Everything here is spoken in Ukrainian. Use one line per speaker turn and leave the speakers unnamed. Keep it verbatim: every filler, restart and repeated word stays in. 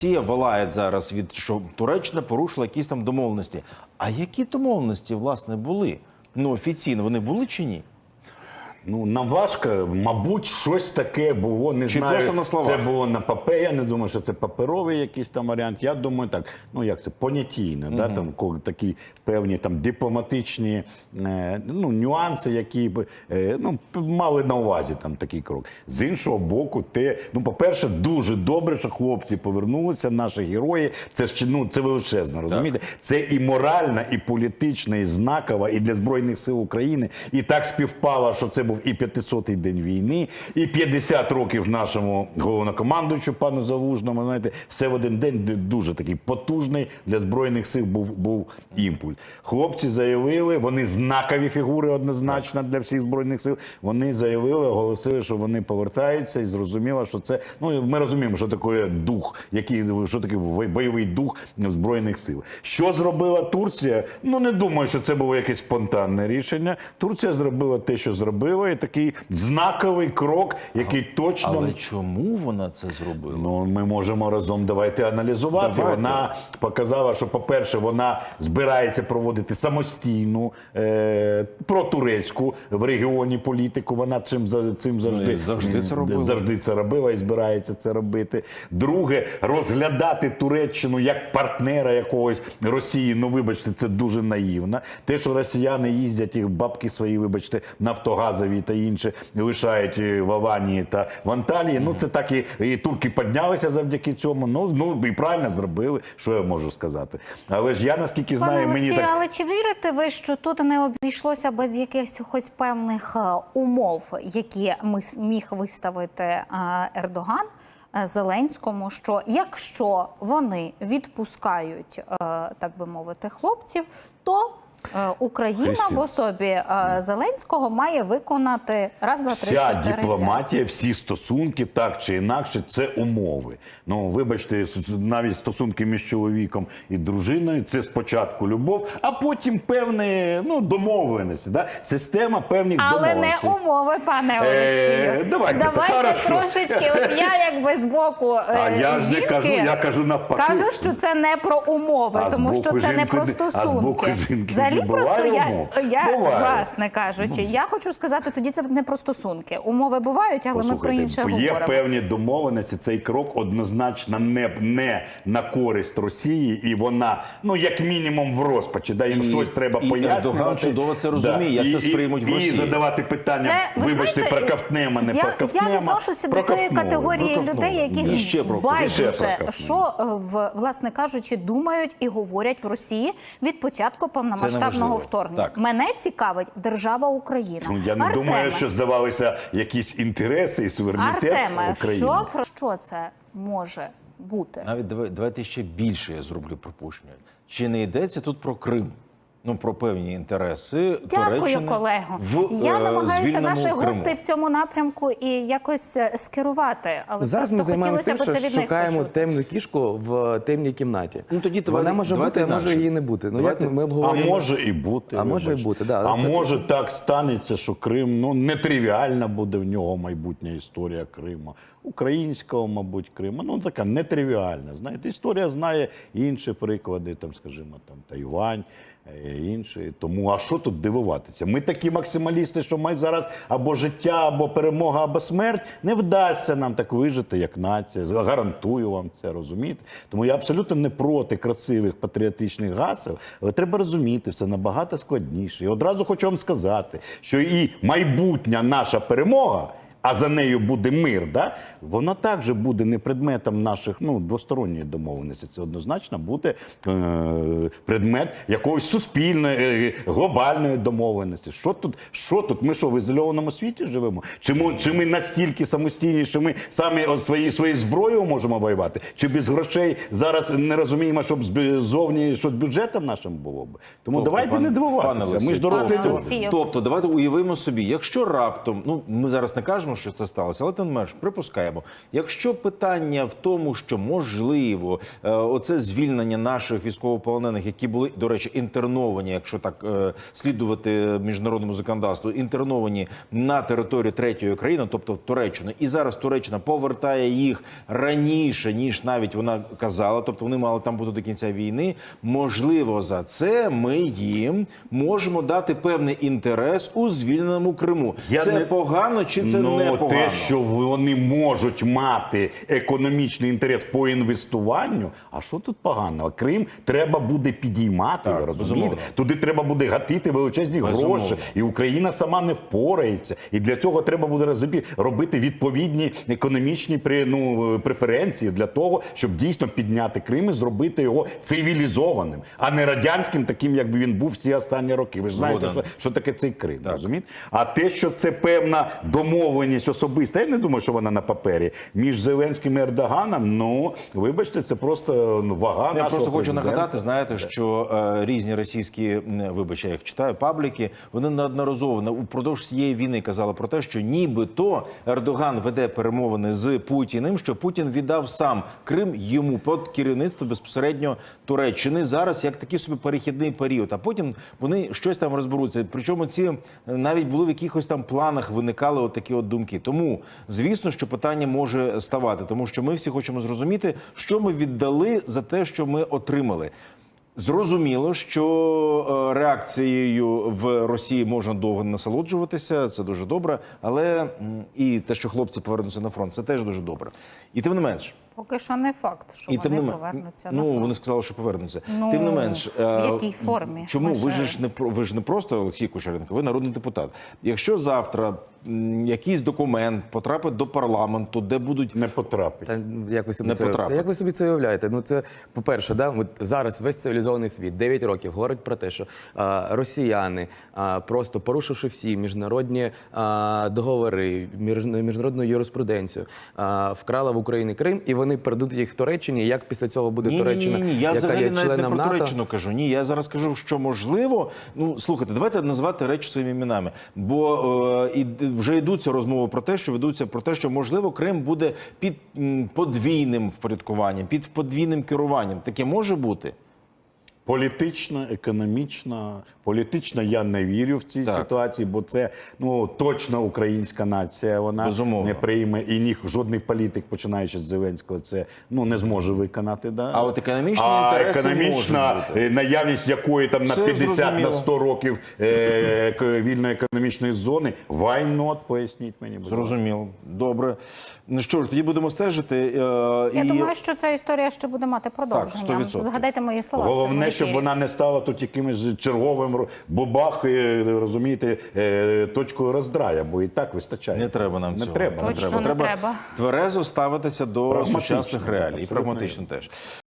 Росія волає зараз від, що Туреччина порушила якісь там домовленості. А які домовленості, власне, були? Ну, офіційно вони були чи ні?
Ну, нам важко, мабуть, щось таке було, не
Чи
знаю,
просто на словах?
це було на папері, я не думаю, що це паперовий якийсь там варіант, я думаю так, ну як це, понятійно, угу. да, там такі певні там дипломатичні е, ну, нюанси, які б, е, ну, мали на увазі там такий крок. З іншого боку, те, ну, по-перше, дуже добре, що хлопці повернулися, наші герої, це ж, ну, це величезно, розумієте? Так. Це і моральна, і політична, і знакова, і для Збройних сил України, і так співпало, що це був і п'ятисотий день війни, і п'ятдесят років нашому головнокомандуючу пану Залужному, знаєте, все в один день дуже такий потужний для Збройних сил був, був імпульс. Хлопці заявили, вони знакові фігури однозначно для всіх Збройних сил, вони заявили, оголосили, що вони повертаються і зрозуміло, що це, ну ми розуміємо, що таке дух, який, що таке бойовий дух Збройних сил. Що зробила Турція? Ну не думаю, що це було якесь спонтанне рішення. Турція зробила те, що зробила, і такий знаковий крок, який точно...
Але чому вона це зробила?
Ну, ми можемо разом, давайте аналізувати.
Давайте.
Вона показала, що, по-перше, вона збирається проводити самостійну е, протурецьку в регіоні політику. Вона цим, цим завжди,
ну, завжди, це робила.
завжди це робила і збирається це робити. Друге, розглядати Туреччину як партнера якогось Росії, ну, вибачте, це дуже наївно. Те, що росіяни їздять, їх бабки свої, вибачте, нафтогазові та інші лишають в Аванії та в Анталії. Mm-hmm. Ну, це так і, і турки піднялися завдяки цьому. Ну, ну, і правильно зробили, що я можу сказати. Але ж я, наскільки знаю,
Пане
мені
Олексію,
так...
але чи вірите ви, що тут не обійшлося без якихось певних умов, які міг виставити Ердоган Зеленському, що якщо вони відпускають, так би мовити, хлопців, то Україна
Христі.
в особі Зеленського має виконати раз, два, три,
Вся
чотири,
дипломатія, всі стосунки, так чи інакше, це умови. Ну, вибачте, навіть стосунки між чоловіком і дружиною, це спочатку любов, а потім певні, ну, домовленості, да? Система певних
Але
домовленостей.
не умови, пане Олексію.
Е, давайте,
давайте
хорошо.
трошечки, от я якби з боку е,
А я ж
жінки,
не кажу, я кажу навпаки.
кажу, що це не про умови,
А з
тому
боку
що це не
жінки-
про
а з
стосунки.
боку жінки
Взагалі
не
просто
буває
я,
умов?
я
Буває.
власне кажучи, я хочу сказати, тоді це не про стосунки. Умови бувають, але ми про інше
є
говоримо.
певні домовленості, цей крок однозначно не, не на користь Росії, і вона, ну, як мінімум, в розпачі, да, їм
І-
щось треба
і
пояснювати.
Ердоган чудово це розуміє, як
і,
це сприймуть в
і,
Росії.
І задавати питання,
Це, ви
вибачте,
знаєте,
проковтнемо, не
я,
проковтнемо.
Я відношуся до тої
проковтнули,
категорії
проковтнули.
людей,
І
які
ще про-
ще
байдуже,
проковтнули.
що, е, в, власне кажучи, думають і говорять в Росії від початку повномасштабного
неважливо.
вторгнення.
Так.
Мене цікавить держава Україна.
Ну, я не
Артеме,
думаю, що здавалися якісь інтереси і суверенітет
Артеме,
України.
що, про що це може бути?
Навіть давай- давайте ще більше я зроблю припущення. Чи не йдеться тут про Крим? Ну, про певні інтереси
Дякую,
Туреччини
колего.
в
Я
е,
намагаюся
звільненому
наших
Криму.
гостей в цьому напрямку і якось е, скерувати. Але
Зараз ми
просто
займаємося тим,
хотілося б
що
це від них
шукаємо
почути.
темну кішку в темній кімнаті.
Ну, тоді
Вона
давайте-
може
давайте
бути, а може
інакше.
її не бути. Ну,
Давайте-
як ми
А
обговорюємо?
може і бути.
А може і
вибачте.
бути, да,
А
це
може так станеться, що Крим, ну, нетривіальна буде в нього майбутня історія Криму. Українського, мабуть, Криму. Ну, така нетривіальна. Знаєте, історія знає інші приклади, там, скажімо, там, Тайвань, е, інші. Тому, а що тут дивуватися? Ми такі максималісти, що ми зараз або життя, або перемога, або смерть. Не вдасться нам так вижити, як нація. Гарантую вам це, розумієте? Тому я абсолютно не проти красивих патріотичних гасел, але треба розуміти, все набагато складніше. І одразу хочу вам сказати, що і майбутня наша перемога, а за нею буде мир, да? Вона також буде не предметом наших, ну, двосторонньої домовленості. Це однозначно буде е- предмет якоїсь суспільної, е- глобальної домовленості. Що тут? Що тут? Ми що, в ізольованому світі живемо? Чи ми, чи ми настільки самостійні, що ми самі от свої, своєю зброєю можемо воювати? Чи без грошей зараз не розуміємо, щоб зовні щось бюджетом нашим було б? Тому
Тобто,
давайте
пан-
не
пане
дивуватися. Ми
Олексій,
ж дорослі
пане
люди.
Олексій,
Тобто, давайте уявимо собі, якщо раптом, ну, ми зараз не кажемо, кажемо, що це сталося, але тим не менш припускаємо. Якщо питання в тому, що можливо е, оце звільнення наших військовополонених, які були, до речі, інтерновані, якщо так е, слідувати міжнародному законодавству, інтерновані на територію третьої країни, тобто в Туреччину, і зараз Туреччина повертає їх раніше, ніж навіть вона казала, тобто вони мали там бути до кінця війни, можливо, за це ми їм можемо дати певний інтерес у звільненому Криму.
Я
це
не-
погано чи це
ну,
не погано?
те, що вони можуть мати економічний інтерес по інвестуванню, а що тут поганого? Крим треба буде підіймати,
Так,
ви розумієте?
безумовно.
Туди треба буде гатити величезні
Безумовно.
гроші, і Україна сама не впорається. І для цього треба буде розбі- робити відповідні економічні при- ну, преференції для того, щоб дійсно підняти Крим і зробити його цивілізованим, а не радянським, таким, якби він був всі останні роки. Ви ж знаєте,
Згоден.
що, що таке цей Крим, розумієте? А те, що це певна домовленість особиста, я не думаю, що вона на папері, між Зеленським і Ердоганом, ну, вибачте, це просто ну, вага
Я
нашого
просто хочу
президента.
нагадати, знаєте, що е, різні російські, м, вибачте, я їх читаю, пабліки, вони неодноразово на- упродовж цієї війни казали про те, що нібито Ердоган веде перемовини з Путіним, що Путін віддав сам Крим йому під керівництво безпосередньо Туреччини. Зараз як такий собі перехідний період, а потім вони щось там розберуться. Причому ці е, навіть були в якихось там планах, виникали от такі от думки. Тому, звісно, що питання може ставати, тому що ми всі хочемо зрозуміти, що ми віддали за те, що ми отримали. Зрозуміло, що е, реакцією в Росії можна довго насолоджуватися, це дуже добре, але м, і те, що хлопці повернуться на фронт, це теж дуже добре. І тим не менш,
Поки що не факт, що
і тим
вони
не мен-
повернуться на
ну
фронт.
вони сказали, що повернуться.
Ну,
Тим не менш,
в
е,
якій формі?
Чому
Ми
ви
ж-
ж не про- ви ж не просто Олексій Кучеренко, ви народний депутат. Якщо завтра м, якийсь документ потрапить до парламенту, де будуть
Не потрапить.
Та як ви собі
Не
це
потрапить.
та як ви собі це уявляєте? Ну це по-перше, да, от зараз весь цивілізований світ дев'ять років говорить про те, що а, росіяни, а, просто порушивши всі міжнародні а, договори, між, міжнародну юриспруденцію, а, вкрали в Україні Крим, і вони передадуть їх Туреччині. Як після цього буде
Ні,
Туреччина,
ні, ні, ні. Я
яка
взагалі
є
навіть не
членом
про
НАТО?
Туреччину кажу. Ні, я зараз кажу, що можливо. Ну слухайте, давайте назвати речі своїми іменами. Бо е, і вже йдуться розмови про те, що ведуться про те, що можливо Крим буде під м, подвійним впорядкуванням, під подвійним керуванням. Таке може бути.
Політично, економічно, політично я не вірю в цій
Так.
ситуації, бо це ну точно українська нація. Вона
Безумовно.
не прийме і ні жодний політик, починаючи з Зеленського, це ну не зможе виконати. Да?
А от економічні
а
інтереси
економічна
можуть бути.
е, наявність якої там на
Це
п'ятдесят
зрозуміло.
на сто років е, ек- вільної економічної зони. Why not? Поясніть мені, будь ласка.
Зрозуміло. Добре. Ну що ж, тоді будемо стежити. Е,
Я
і...
думаю, що ця історія ще буде мати продовження.
сто відсотків.
Згадайте мої слова. в цьому
Головне, щоб
ефірі.
вона не стала тут якимось черговим ро- бабах, е, розумієте, е, точкою роздрая, бо і так вистачає.
Не треба нам
не
цього.
Треба.
Точно не треба.
Тверезо ставитися до
Прагматично,
сучасних реалій. І
абсолютно
прагматично теж.